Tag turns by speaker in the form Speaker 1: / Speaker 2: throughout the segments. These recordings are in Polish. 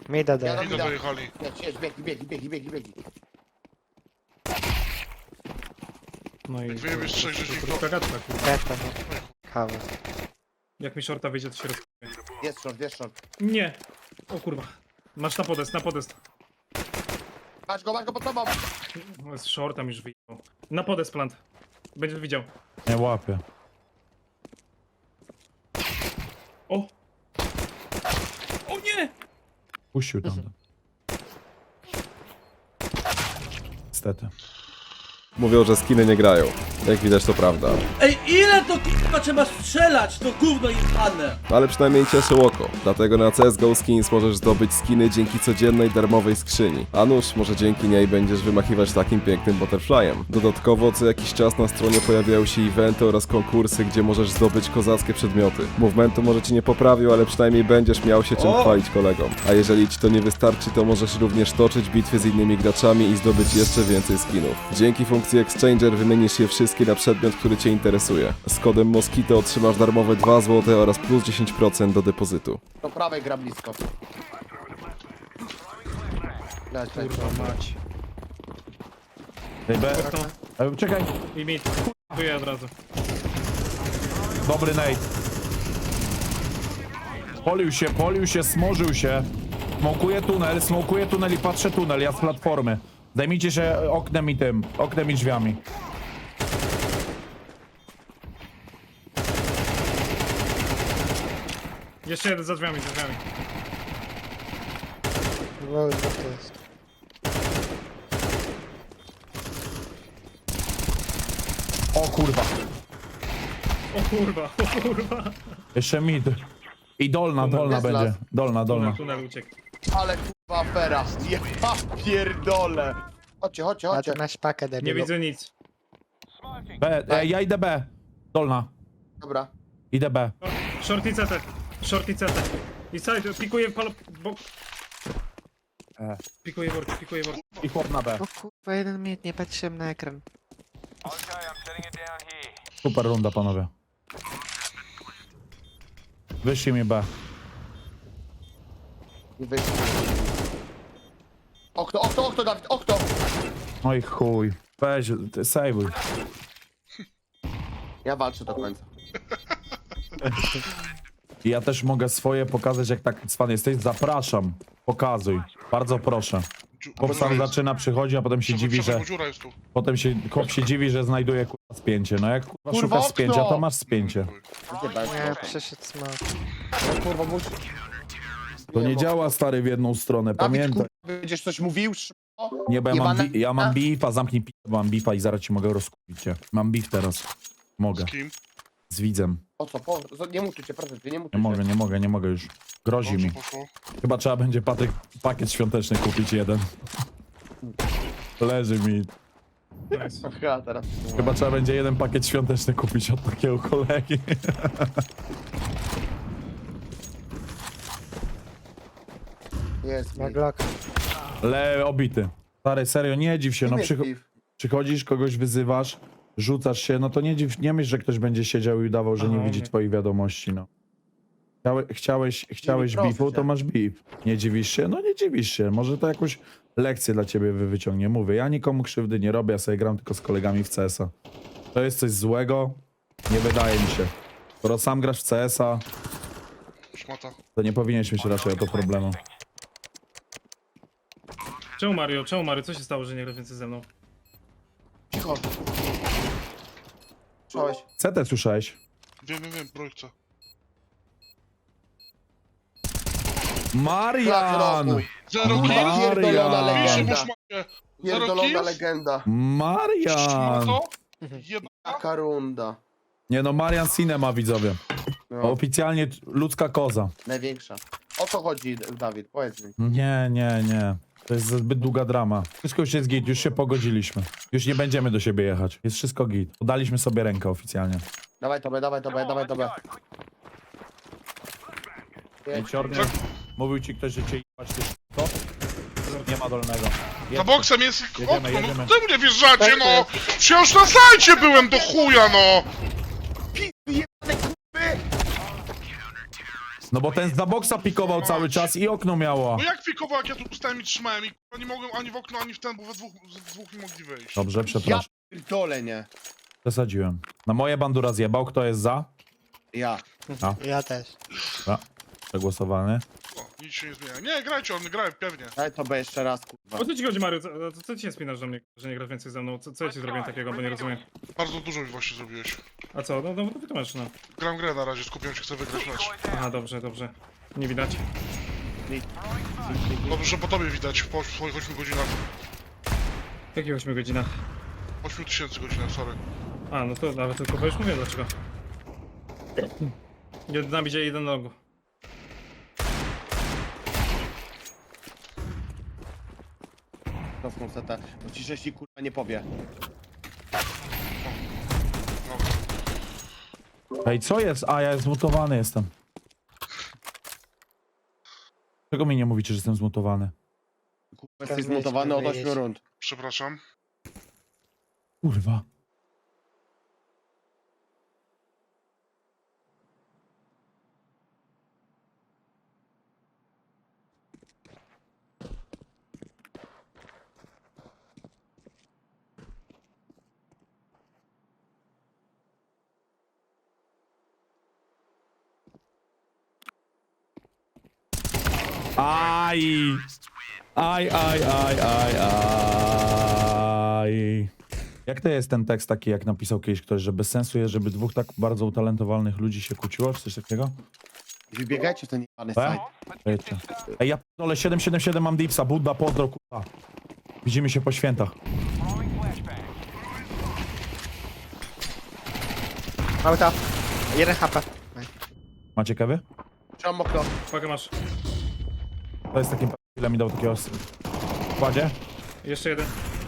Speaker 1: Mida
Speaker 2: Ja
Speaker 1: daje.
Speaker 2: robię.
Speaker 3: Idę dojechali.
Speaker 2: Biegi.
Speaker 4: No i...
Speaker 3: Jak wyjebiesz trzech rzeźników, to...
Speaker 4: Gagatka, kurwa.
Speaker 1: Keta, no. Kawa.
Speaker 4: Jak mi shorta wyjdzie, to się roz...
Speaker 2: Jest short.
Speaker 4: Nie! O kurwa. Masz na podest, na podest.
Speaker 2: Masz go pod tobą.
Speaker 4: No, z shorta mi już wyjechał. Na podest plant. Będziesz widział.
Speaker 5: Nie łapię.
Speaker 4: O! O nie!
Speaker 5: Puścił tam. Niestety.
Speaker 6: Mówią, że skiny nie grają. Jak widać, to prawda.
Speaker 7: Ej, ile to kurwa trzeba strzelać, to gówno jebane!
Speaker 6: Ale przynajmniej cieszy oko. Dlatego na CSGO Skins możesz zdobyć skiny dzięki codziennej darmowej skrzyni. A nuż, może dzięki niej będziesz wymachiwać takim pięknym butterflyem. Dodatkowo co jakiś czas na stronie pojawiają się eventy oraz konkursy, gdzie możesz zdobyć kozackie przedmioty. Movementu może ci nie poprawił, ale przynajmniej będziesz miał się czym chwalić kolegom. A jeżeli ci to nie wystarczy, to możesz również toczyć bitwy z innymi graczami i zdobyć jeszcze więcej skinów. Dzięki funkcji Exchanger wymienisz je wszystkie na przedmiot, który cię interesuje. Z kodem Mosquito otrzymasz darmowe 2 zł oraz plus 10% do depozytu.
Speaker 2: Do prawej gra blisko. Leć.
Speaker 4: Kurwa mać.
Speaker 5: Ej, B. Czekaj.
Speaker 4: I mit. Chuję od razu.
Speaker 5: Dobry nade. Polił się, smożył się. Smokuje tunel i patrzę tunel, ja z platformy. Zajmijcie się oknem i drzwiami.
Speaker 4: Jeszcze jeden za drzwiami,
Speaker 1: Wow, co to jest?
Speaker 5: O kurwa.
Speaker 4: O kurwa.
Speaker 5: Jeszcze mid. I dolna
Speaker 2: jest
Speaker 5: będzie.
Speaker 2: las.
Speaker 5: Dolna.
Speaker 4: Tunel uciekł.
Speaker 2: Ale kurwa afera. Ja pierdolę. Chodźcie.
Speaker 1: A ty masz pakę,
Speaker 4: Nie
Speaker 1: debilu.
Speaker 4: widzę nic.
Speaker 5: B, ja idę B. Dolna.
Speaker 2: Dobra.
Speaker 5: Idę B.
Speaker 4: Shorty CT. I side, pikuje bok. Pikuje worki.
Speaker 5: I chłop na B.
Speaker 1: O kurwa, jeden mit, nie patrzyłem na ekran.
Speaker 5: Super runda, panowie. Wyszli mi B.
Speaker 2: I wyjść. Okno, Dawid, okno.
Speaker 5: No i chuj. Weź, sejwuj.
Speaker 2: Ja walczę do końca.
Speaker 5: I ja też mogę swoje pokazać, jak tak cwan jesteś. Zapraszam. Pokazuj. Bardzo proszę. Chłop sam zaczyna, przychodzi, a potem się dziwi, że...
Speaker 3: Dziura jest tu.
Speaker 5: Potem chłop się dziwi, że znajduje kurwa spięcie. No jak kurwa
Speaker 2: Kurwa,
Speaker 5: szukasz spięcia, to
Speaker 2: okno!
Speaker 5: masz spięcie.
Speaker 2: Gdzie bez?
Speaker 1: Nie, przeszedł smok.
Speaker 2: No kurwa, musi...
Speaker 5: To nie działa, stary, w jedną stronę,
Speaker 2: Dawid,
Speaker 5: pamiętaj.
Speaker 2: kurwa, będziesz coś mówił?
Speaker 5: Nie, bo ja mam beefa, zamknij pi... Mam beefa i zaraz ci mogę rozkupić cię. Mam beef teraz. Mogę.
Speaker 3: Z kim?
Speaker 5: Z widzem.
Speaker 2: O co? Nie mutuj cię, proszę cię, nie mutuj
Speaker 5: Nie mogę już. Grozi
Speaker 3: Dobrze
Speaker 5: mi.
Speaker 3: poszło.
Speaker 5: Chyba trzeba będzie pakiet świąteczny kupić jeden. Leży mi.
Speaker 4: Nice.
Speaker 2: Aha, teraz.
Speaker 5: Chyba trzeba będzie jeden pakiet świąteczny kupić od takiego kolegi.
Speaker 2: Jest
Speaker 1: Ma
Speaker 2: mi.
Speaker 1: Glock.
Speaker 5: Obity. Stary, serio, nie dziw się, no przychodzisz, kogoś wyzywasz, rzucasz się, no to nie myśl, że ktoś będzie siedział i udawał, że nie
Speaker 4: Aha,
Speaker 5: widzi
Speaker 4: nie.
Speaker 5: twoich wiadomości, no. Chciałeś
Speaker 2: proszę
Speaker 5: beefu,
Speaker 2: cię.
Speaker 5: to masz beef. Nie dziwisz się? No nie dziwisz się. Może to jakąś lekcję dla ciebie wyciągnie. Mówię, ja nikomu krzywdy nie robię, ja sobie gram tylko z kolegami w CS-a. To jest coś złego? Nie wydaje mi się. Skoro sam grasz w CS-a,
Speaker 3: Szmata.
Speaker 5: to nie powinieneś mieć raczej o to problemu.
Speaker 4: Czemu Mario? Co się stało, że nie gra więcej ze mną?
Speaker 2: Cicho. Słyszałeś?
Speaker 5: CT słyszałeś?
Speaker 3: Wiem, projekcja.
Speaker 5: Marian!
Speaker 3: Zero
Speaker 2: Kurwa,
Speaker 3: kill!
Speaker 2: pierdolona
Speaker 5: Marian!
Speaker 3: Pisze mu
Speaker 2: legenda.
Speaker 3: szmacie! Zero
Speaker 2: Pierdolona
Speaker 3: kills?
Speaker 2: legenda.
Speaker 5: Marian!
Speaker 3: Szmato? Jeba.
Speaker 2: Taka runda.
Speaker 5: Nie no, Marian Cinema, widzowie.
Speaker 2: No,
Speaker 5: Oficjalnie ludzka koza.
Speaker 2: największa. O co chodzi, Dawid? Powiedz mi.
Speaker 5: Nie. To jest zbyt długa drama. Wszystko już jest git, już się pogodziliśmy. Już nie będziemy do siebie jechać. Jest wszystko git. Podaliśmy sobie rękę oficjalnie.
Speaker 2: Dawaj tobie.
Speaker 5: Mówił ci ktoś, że cię jebać, ty co? Nie ma dolnego.
Speaker 3: Za boksem jest okno, no
Speaker 5: jedziemy.
Speaker 3: ty mnie wjeżdżacie, no! Przecież na sajcie byłem do chuja, no!
Speaker 5: No bo ten za boksa pikował cały czas i okno miało.
Speaker 3: No jak pikował, jak ja tu stałem i trzymałem i kurwa, nie mogłem ani w okno, ani w ten, bo z dwóch nie mogli wyjść.
Speaker 5: Dobrze, przepraszam.
Speaker 2: Pierdolę, nie.
Speaker 5: Przesadziłem. Na moje bandura zjebał. Kto jest za?
Speaker 2: Ja.
Speaker 1: Ja też.
Speaker 5: A, przegłosowany.
Speaker 3: O, nic się nie zmienia. Nie, grajcie, on graj, pewnie.
Speaker 2: Daj to B jeszcze raz, kurwa.
Speaker 4: O co ci chodzi, Mario? Co ci się spinasz do mnie, że nie grasz więcej ze mną? Co ja ci zrobiłem takiego, bo nie rozumiem.
Speaker 3: Bardzo dużo mi właśnie zrobiłeś.
Speaker 4: A co? No wytłumacz, no.
Speaker 3: Gram grę na razie, skupiam się, chcę wygrać mecz.
Speaker 4: Aha, dobrze. Nie widać.
Speaker 3: Dobrze, że po tobie widać, po swoich 8 godzinach.
Speaker 4: W jakich 8 godzinach?
Speaker 3: 8000 godzinach, sorry.
Speaker 4: A, no to nawet tylko już mówię dlaczego. Jeden nam idzie, jeden nogu.
Speaker 2: Cofnął CT. Bo ci sześci kurwa nie powie.
Speaker 5: Ej, co jest? A, ja zmutowany jestem. Czego mi nie mówicie, że jestem zmutowany?
Speaker 2: Kurwa, jesteś zmutowany od 8 rund.
Speaker 3: Przepraszam.
Speaker 5: Kurwa. Aj! Aj. Jak to jest ten tekst taki, jak napisał kiedyś ktoś, że bez sensu jest, żeby dwóch tak bardzo utalentowanych ludzi się kłóciło, czy coś takiego?
Speaker 2: Wybiegajcie w ten jebany
Speaker 5: B?
Speaker 2: site.
Speaker 5: Wiecie. Ej, ja p***dolę 777 mam dipsa, Budda, pozdro, kurwa. Widzimy się po świętach.
Speaker 1: Auto. 1 HP.
Speaker 5: Macie kewy?
Speaker 2: Trzymam okno.
Speaker 4: Uwaga, masz.
Speaker 5: To jest takim ile mi dał takiego kładzie.
Speaker 4: Jeszcze jeden.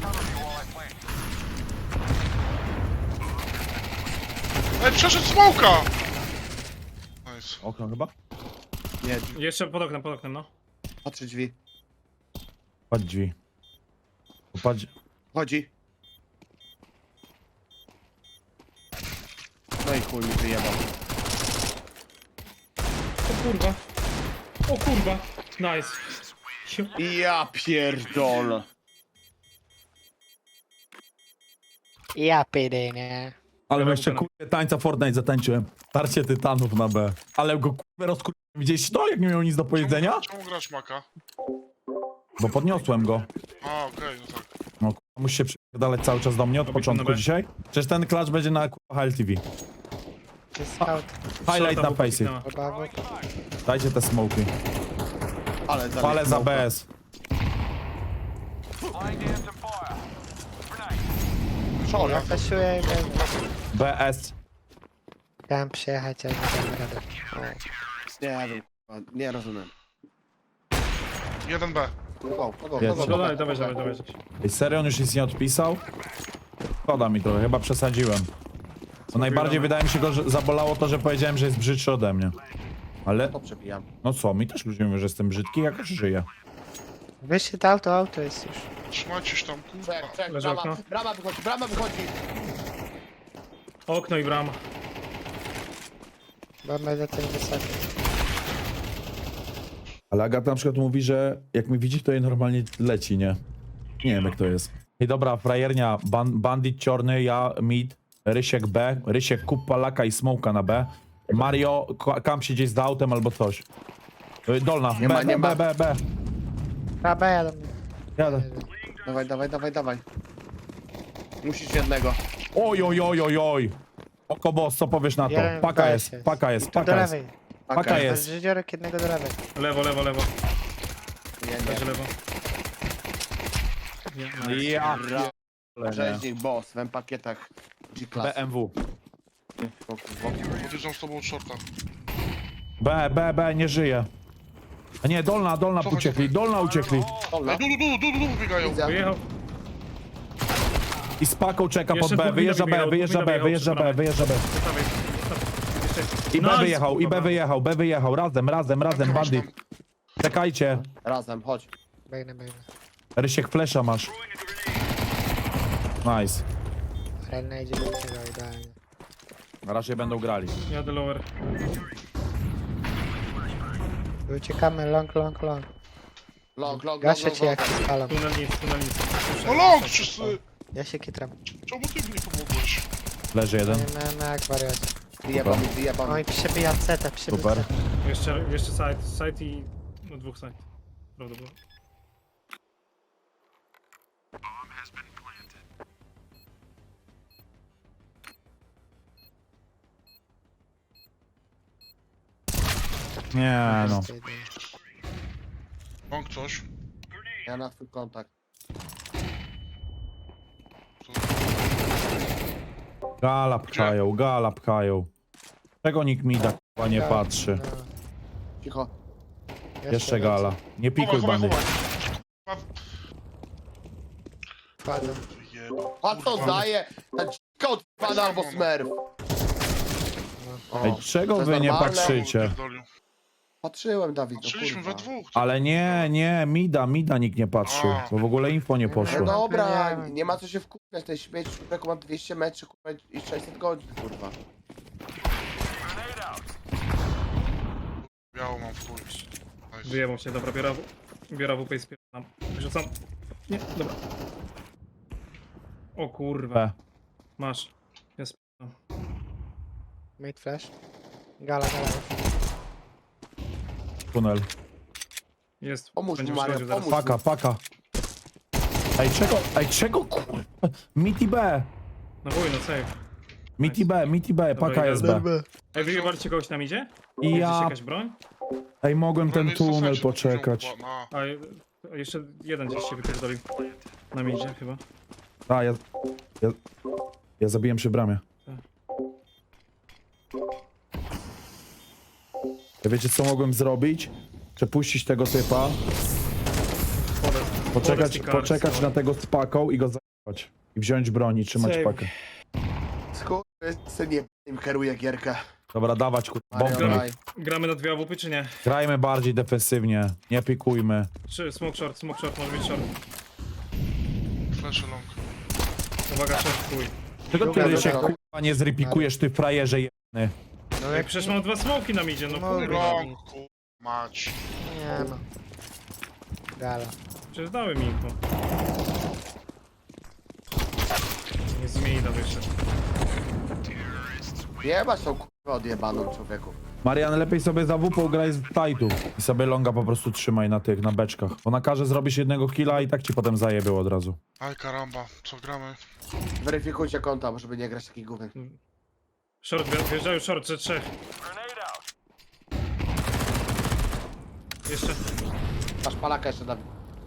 Speaker 3: Ej, przeszedł smoka! Nice.
Speaker 5: Okno chyba?
Speaker 2: Nie,
Speaker 4: Jeszcze pod oknem, no.
Speaker 2: patrzę drzwi.
Speaker 5: Patrz drzwi. Patrz.
Speaker 2: Chodzi. No i chuj mi wyjebał.
Speaker 4: O kurwa. Nice.
Speaker 2: Ja pierdolę.
Speaker 1: Ja nie.
Speaker 5: Ale jeszcze kurwa tańca Fortnite zatańczyłem. Tarcie tytanów na B. Ale go kurwa rozkurwiłem. Widzieliście to, jak nie miał nic do powiedzenia?
Speaker 3: Czemu grasz maka?
Speaker 5: Bo podniosłem go.
Speaker 3: A, okej, no tak.
Speaker 5: No kurwa, musi się przypierdalać cały czas do mnie od
Speaker 4: Robisz
Speaker 5: początku
Speaker 4: na B?
Speaker 5: dzisiaj. Przecież ten klacz będzie na kurwa HLTV.
Speaker 1: To jest scout.
Speaker 5: Highlight na face.
Speaker 1: Obawu.
Speaker 5: Dajcie te smoki.
Speaker 2: Ale
Speaker 5: Palę za BS.
Speaker 1: Ja flashuję i będę.
Speaker 5: BS.
Speaker 1: Chciałem przyjechać, ale nie damy rady.
Speaker 2: Nie wiem, kurwa, nie rozumiem.
Speaker 3: 1B.
Speaker 5: Jest.
Speaker 4: Dawaj.
Speaker 5: Ej, serio, on już nic nie odpisał? Szkoda mi trochę, chyba przesadziłem. Bo najbardziej wydaje mi się go, że zabolało to, że powiedziałem, że jest brzydszy ode mnie. Ale,
Speaker 2: To przepijam.
Speaker 5: no co, mi też ludzie mówią, że jestem brzydki, jakoś żyję.
Speaker 1: Wyszedł auto jest już.
Speaker 3: Trzymajcie się tam, kurwa.
Speaker 2: Czek,
Speaker 4: Leży
Speaker 2: brama,
Speaker 4: okno.
Speaker 2: brama wychodzi.
Speaker 4: Okno i brama.
Speaker 1: Bo będę ten wysoki.
Speaker 5: Ale Agata na przykład mówi, że jak mi widzi, to jej normalnie leci, nie? Nie wiem, jak to jest. I dobra, frajernia, bandit ciorny, ja mid, Rysiek B, Rysiek kup palaka i smoka na B. Mario, kam się gdzieś z autem albo coś. Dolna,
Speaker 2: Nie ma, nie ma.
Speaker 5: B.
Speaker 1: Dobra, jadę.
Speaker 5: Jadę.
Speaker 2: Dawaj. Musisz jednego.
Speaker 5: Oj. Oko boss, co powiesz na to?
Speaker 1: Jeden
Speaker 5: Paka
Speaker 1: weź
Speaker 5: jest,
Speaker 1: jest.
Speaker 5: paka jest,
Speaker 1: Do
Speaker 5: paka jest.
Speaker 1: lewej.
Speaker 5: Paka jest.
Speaker 1: Żydziorek jednego do lewej.
Speaker 4: Lewo.
Speaker 2: Nie.
Speaker 4: Leży lewo.
Speaker 5: Ja.
Speaker 2: Rzeźnik, boss, w pakietach G-Class.
Speaker 5: BMW.
Speaker 3: Podjeżdżam z tobą od shorta.
Speaker 5: B, nie żyje. A nie, dolna
Speaker 3: Cofaj,
Speaker 5: uciekli,
Speaker 3: cofaj.
Speaker 5: dolna uciekli.
Speaker 2: Dolna.
Speaker 3: Ej, du, biegają.
Speaker 2: Widzę.
Speaker 4: Wyjechał.
Speaker 5: I z paką czeka pod
Speaker 4: Jeszcze
Speaker 5: B,
Speaker 4: dwóch
Speaker 5: wyjeżdża
Speaker 4: wybiegał,
Speaker 5: B, wyjeżdża
Speaker 4: dwóch
Speaker 5: B,
Speaker 4: wybiegał
Speaker 5: wyjeżdża
Speaker 4: przy
Speaker 5: B,
Speaker 4: bramie.
Speaker 5: wyjeżdża B.
Speaker 4: Dawaj.
Speaker 5: I B
Speaker 4: Nice,
Speaker 5: wyjechał,
Speaker 4: kurwa.
Speaker 5: B wyjechał, razem, bandit. Czekajcie,
Speaker 2: Razem, chodź.
Speaker 1: Biegnę.
Speaker 5: Rysiek flesza masz. Nice.
Speaker 1: Renna idzie do tego idealnie.
Speaker 5: Na razie będą grali.
Speaker 4: Jadę lower.
Speaker 1: Uciekamy, long.
Speaker 2: Long.
Speaker 1: Gaszę cię jak się spalam.
Speaker 4: Tunel nic.
Speaker 3: No long, wszyscy!
Speaker 1: Ja się kitram.
Speaker 3: Czemu ty mi nie pomogłeś?
Speaker 5: Leży jeden.
Speaker 1: Nie miałem jak wariat.
Speaker 2: Wyjebam.
Speaker 1: Oj, przebija CT, przebija
Speaker 5: Super.
Speaker 1: CT.
Speaker 4: Jeszcze side i... No 2 side. Prawdopodobnie.
Speaker 5: Nie no.
Speaker 3: Long coś.
Speaker 2: Ja na twój kontakt.
Speaker 5: Gala pchają. Czego nikt mi da k***a nie patrzy?
Speaker 1: No,
Speaker 2: Cicho.
Speaker 5: Jeszcze gala. Nie pikuj
Speaker 3: Chowaj.
Speaker 5: bandy.
Speaker 1: Padłem.
Speaker 3: Jebo.
Speaker 2: A co daje? Ten kot pada albo smerf. O,
Speaker 5: Ej,
Speaker 2: to
Speaker 5: czego
Speaker 2: jest
Speaker 5: wy nie
Speaker 2: normalne?
Speaker 5: patrzycie?
Speaker 3: Pierdolił.
Speaker 2: Patrzyłem, Dawid, no
Speaker 3: Patrzyliśmy
Speaker 2: kurwa.
Speaker 3: we dwóch.
Speaker 5: Ale nie, mida nikt nie patrzył. Bo w ogóle info nie
Speaker 2: No
Speaker 5: poszło.
Speaker 2: dobra,
Speaker 1: Nie.
Speaker 2: nie ma co się wkupiać, ten śmieć człowieku ma 200 metrów kurwa, i 600 godzin, kurwa.
Speaker 3: Biało mam w chuj. Nice.
Speaker 4: Wyjebał się, dobra, biorę WP i spierdzam. Rzucam. Nie, dobra. O kurwa.
Speaker 5: B.
Speaker 4: Masz. Jest.
Speaker 1: Mid flash. Gala.
Speaker 5: Tunel.
Speaker 4: Jest.
Speaker 2: Pomóż
Speaker 4: Będzie
Speaker 2: mu, Mario,
Speaker 4: przychodził zaraz.
Speaker 2: pomóż.
Speaker 5: Paka. Ej, czego kurwa? Miti B.
Speaker 4: No wuj, no save.
Speaker 5: Miti B, paka
Speaker 4: Dobra,
Speaker 5: jest
Speaker 4: idę.
Speaker 5: B.
Speaker 4: Ej, wyjebaliście kogoś tam idzie?
Speaker 5: I
Speaker 4: Gdzieś
Speaker 5: ja...
Speaker 4: jakaś broń?
Speaker 5: Ej, mogłem ten tunel poczekać.
Speaker 4: A jeszcze jeden gdzieś się wypierdolił. Na mnie idzie chyba.
Speaker 5: A, ja zabiłem przy bramie. Ja wiecie co mogłem zrobić? Przepuścić tego typa, poczekać na tego z paką i go zajebać. I wziąć broń i trzymać
Speaker 4: Save.
Speaker 5: pakę.
Speaker 2: Skurwysyn nie im kieruje gierkę.
Speaker 5: Dobra, dawać kurwa,
Speaker 2: Mario,
Speaker 5: bombę.
Speaker 2: daj.
Speaker 4: Gramy na 2 AWP czy nie?
Speaker 5: Grajmy bardziej defensywnie, nie pikujmy.
Speaker 4: Czy smoke short, może być short.
Speaker 3: Flash long.
Speaker 4: Uwaga, short, chuj.
Speaker 5: Czego
Speaker 1: Dobra,
Speaker 5: ty się
Speaker 1: dobra.
Speaker 5: kurwa nie zrepikujesz, ty frajerze jebany?
Speaker 1: No
Speaker 4: Ej,
Speaker 1: jak
Speaker 4: przecież mam 2 smoki na midzie, no
Speaker 1: No,
Speaker 4: kurwa.
Speaker 3: Long, kurwa, mać.
Speaker 1: nie ma. Gala.
Speaker 4: Przecież dały mi info. Nie zmieni na wyższe.
Speaker 2: Jebać tą kurwę odjebaną człowieku.
Speaker 5: Marian, lepiej sobie za WP graj z tajtu i sobie longa po prostu trzymaj na tych, na beczkach. Ona każe zrobić jednego killa i tak ci potem zajebił od razu.
Speaker 3: Aj karamba, co gramy?
Speaker 2: Weryfikujcie konta, żeby nie grać takich gówien.
Speaker 4: Short, wjeżdżają short, że 3. Jeszcze.
Speaker 2: Masz palaka jeszcze, Dawid.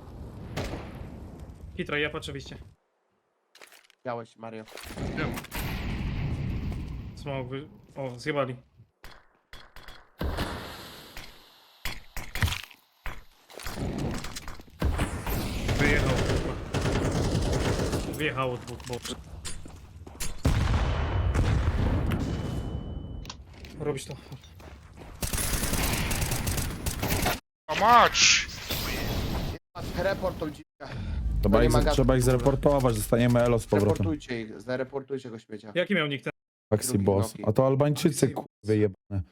Speaker 4: Hitra, ja patrzę wyjście.
Speaker 2: Miałeś, Mario.
Speaker 3: Wiem.
Speaker 4: Smoke O, zjebali. Wyjechał, kurwa. Wyjechało 2, bo... Robisz to.
Speaker 3: A mać!
Speaker 2: Report tą dziwkę.
Speaker 5: Trzeba ich zreportować, zostaniemy elo z powrotem.
Speaker 2: Reportujcie ich, zareportujcie go śmiecia.
Speaker 4: Jaki miał nick ten?
Speaker 5: Taxi
Speaker 2: Drugi
Speaker 5: boss.
Speaker 2: Noki.
Speaker 5: A to Albańczycy kurwy jebane.